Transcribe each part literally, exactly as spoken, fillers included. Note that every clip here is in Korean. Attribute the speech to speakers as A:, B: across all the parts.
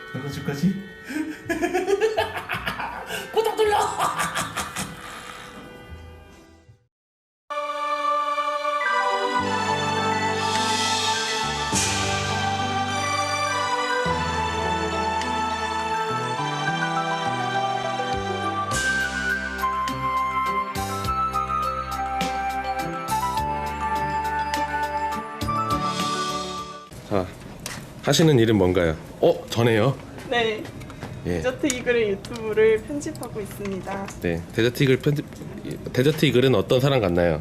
A: 넣어줄 거지? 구독 눌러! 자, 하시는 일은 뭔가요? 어? 전에요?
B: 네.
A: 예.
B: 디저트 이글의 유튜브를 편집하고 있습니다.
A: 네, 데저트 이글 편집 데저트 이글은 어떤 사람 같나요?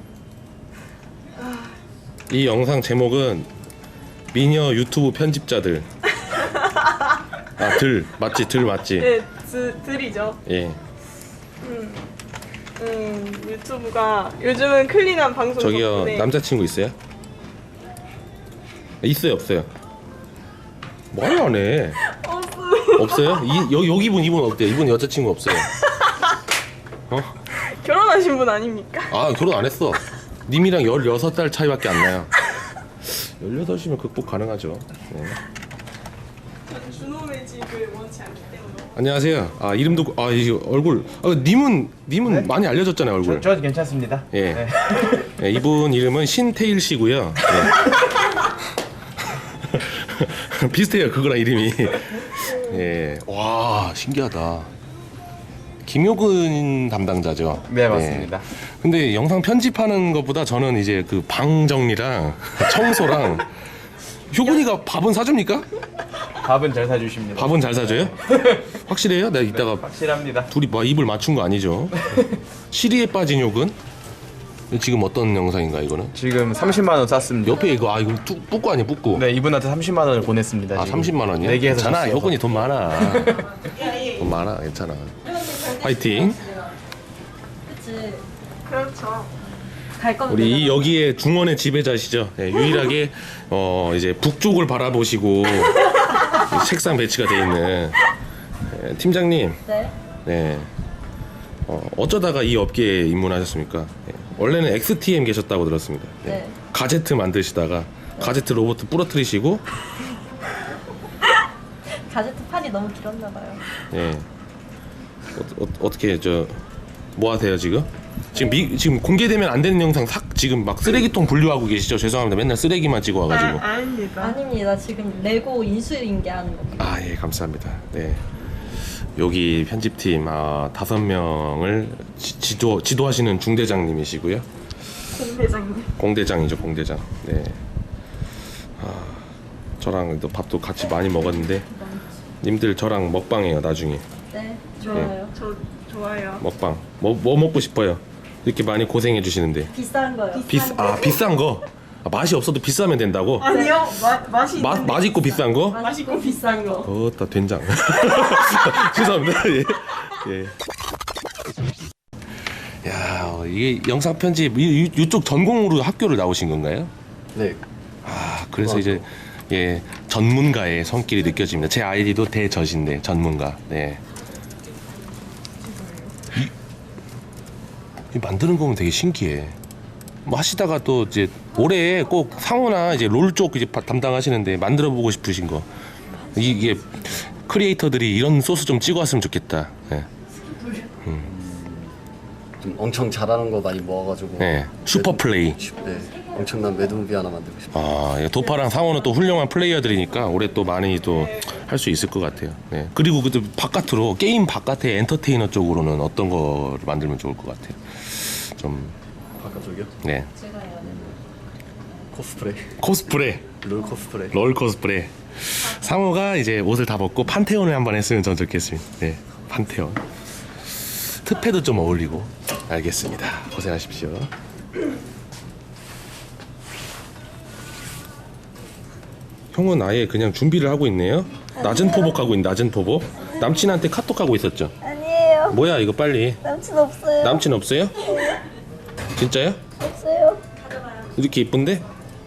A: 이 영상 제목은 미녀 유튜브 편집자들. 아, 들 맞지? 들 맞지?
B: 네, 드, 들이죠.
A: 예.
B: 음, 음, 유튜브가 요즘은 클린한 방송
A: 저기요,
B: 덕분에
A: 남자친구 있어요? 있어요, 없어요? 말을 안 해.
B: 없어요.
A: 없어요? 이 여, 여기 분 이분 어때요? 이분 여자친구 없어요. 어?
B: 결혼하신 분 아닙니까?
A: 아, 결혼 안 했어. 님이랑 열여섯 달 차이밖에 안 나요. 열여덟이면 극복 가능하죠. 네.
B: 저는 준호 매직을 원치 않기 때문에.
A: 안녕하세요. 아, 이름도 아, 이 얼굴. 아, 님은 님은
C: 네?
A: 많이 알려졌잖아요, 얼굴.
C: 저, 저 괜찮습니다.
A: 예.
C: 네.
A: 네, 이분 이름은 신태일 씨고요. 네. 비슷해요, 그거랑 이름이. 예. 와, 신기하다. 김효근 담당자죠.
C: 네, 맞습니다.
A: 근데 영상 편집하는 것보다 저는 이제 그 방 정리랑 청소랑 효근이가 밥은 사줍니까?
C: 밥은 잘 사주십니다.
A: 밥은 잘 사줘요? 확실해요? 내가 이따가
C: 확실합니다.
A: 둘이 뭐 입을 맞춘 거 아니죠? 시리에 빠진 효근? 지금 어떤 영상인가 이거는?
C: 지금 삼십만 원 쌌습니다.
A: 옆에 이거 아 이거 뚜, 뿌꾸 아니야 뿌꾸?
C: 네, 이분한테 삼십만 원을 보냈습니다.
A: 아
C: 지금.
A: 삼십만 원이요?
C: 네 개에서
A: 괜찮아,
C: 샀어요.
A: 효근이 돈 많아. 돈 많아, 괜찮아. 파이팅.
D: 그치.
B: 그렇죠.
D: 갈 거면
A: 우리 이
D: 내가
A: 여기에 중원의 지배자시죠. 네, 유일하게 어 이제 북쪽을 바라보시고 책상 배치가 돼 있는 네, 팀장님.
D: 네.
A: 네. 어, 어쩌다가 이 업계에 입문하셨습니까? 네. 원래는 엑스티엠 계셨다고 들었습니다. 네.
D: 네.
A: 가제트 만드시다가 가제트 로봇 부러뜨리시고
D: 가제트 판이 너무 길었나 봐요.
A: 예. 어, 어, 어떻게 저 뭐 하세요 지금? 지금 미, 지금 공개되면 안 되는 영상 싹 지금 막 쓰레기통 분류하고 계시죠? 죄송합니다. 맨날 쓰레기만 찍어 와가지고.
B: 아, 아닙니다.
D: 아닙니다. 지금 레고 인수인계하는 겁니다.
A: 아, 예, 감사합니다. 네. 여기 편집팀 아, 다섯 명을 지, 지도 지도하시는 중대장님이시고요.
B: 공대장님.
A: 공대장이죠, 공대장. 네. 아, 저랑 또 밥도 같이 많이 먹었는데 님들 저랑 먹방해요 나중에.
D: 네. 좋아요.
B: 저 좋아요.
A: 먹방. 뭐, 뭐 먹고 싶어요? 이렇게 많이 고생해 주시는데.
D: 비싼 거요.
A: 비싸 아 비싼 거. 아, 맛이 없어도 비싸면 된다고?
B: 아니요, 마, 맛이
A: 맛
B: 있는데
A: 맛있고 비싼 거?
B: 맛있고 비싼 거.
A: 어따 된장. 죄송합니다. 예. 예. 야, 어, 이게 영상 편집 이, 이- 이쪽 전공으로 학교를 나오신 건가요?
E: 네,
A: 아, 그래서 이제 예 전문가의 손길이 느껴집니다. 제 아이디도 대저신데 전문가. 네. 이, 이 만드는 거면 되게 신기해. 뭐 하시다가 또 이제 올해 꼭 상호나 이제 롤 쪽 이제 바- 담당하시는데 만들어 보고 싶으신 거 이- 이게 크리에이터들이 이런 소스 좀 찍어왔으면 좋겠다. 예.
E: 좀 엄청 잘하는 거 많이 모아가지고.
A: 네, 슈퍼 플레이.
E: 네, 엄청난 매드무비 하나 만들고 싶어요.
A: 아, 예, 도파랑 상호는 또 훌륭한 플레이어들이니까 올해 또 많이 또 할 수 있을 것 같아요. 네. 그리고 그 바깥으로 게임 바깥의 엔터테이너 쪽으로는 어떤 거를 만들면 좋을 것 같아요. 좀
E: 바깥쪽이요?
A: 네.
D: 제가 해야 돼.
E: 코스프레,
A: 코스프레,
E: 롤 코스프레.
A: 롤 코스프레. 상호가 이제 옷을 다 벗고 판테온을 한번 했으면 전 좋겠습니다. 네, 판테온. 특패도 좀 어울리고. 알겠습니다. 고생하십시오. 형은 아예 그냥 준비를 하고 있네요. 낮은 포복하고 있는 낮은 포복. 남친한테 카톡하고 있었죠.
D: 아니에요.
A: 뭐야 이거 빨리.
D: 남친 없어요.
A: 남친 없어요? 진짜요?
D: 없어요.
A: 이렇게 이쁜데?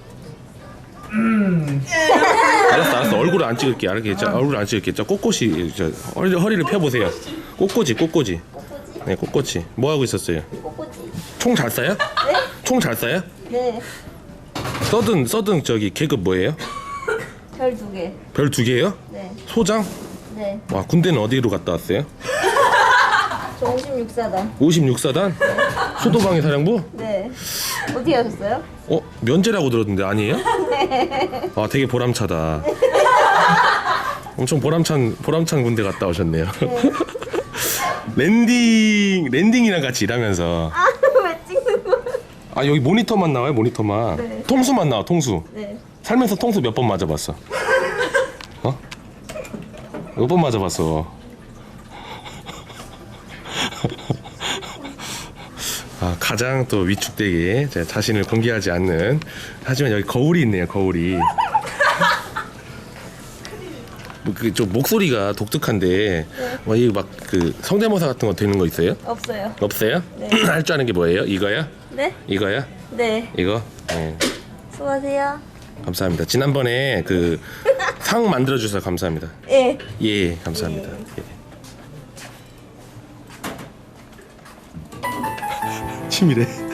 A: 알았어 알았어 얼굴을 안 찍을게 알겠죠? 얼굴을 안 찍을게. 저 꼿꼿이 저 허리, 허리를 펴보세요. 꼿꼿이 꼿꼿이. 네 꼿꼿이. 뭐 하고 있었어요?
D: 꼬꼬지.
A: 총 잘 쏴요?
D: 네?
A: 총 잘 쏴요?
D: 네.
A: 서든 서든 저기 계급 뭐예요?
D: 별 두 개.
A: 별 두 개요?
D: 네.
A: 소장?
D: 네.
A: 와, 군대는 어디로 갔다 왔어요?
D: 저 오십육 사단.
A: 오십육 사단? 수도방위 사령부?
D: 네. 어떻게 하셨어요?
A: 어? 면제라고 들었는데 아니에요? 아, 되게 보람차다. 엄청 보람찬 보람찬 군대 갔다 오셨네요. 랜딩 랜딩이랑 같이 일하면서
D: 아, 왜 찍는 거야?
A: 아, 여기 모니터만 나와요, 모니터만.
D: 네.
A: 통수만 나와, 통수.
D: 네.
A: 살면서 통수 몇 번 맞아봤어? 어? 몇 번 맞아봤어? 아, 가장 또 위축되게 제 자신을 공개하지 않는. 하지만 여기 거울이 있네요, 거울이. 뭐 그 좀 목소리가 독특한데 뭐 이거 막 그 성대모사 같은 거 되는 거 있어요?
D: 없어요.
A: 없어요?
D: 네.
A: 할 줄 아는 게 뭐예요? 이거야?
D: 네?
A: 이거야?
D: 네.
A: 이거? 네.
D: 수고하세요.
A: 감사합니다. 지난번에 그 상 만들어 주셔서 감사합니다.
D: 예.
A: 예, 감사합니다. 예. 치밀해.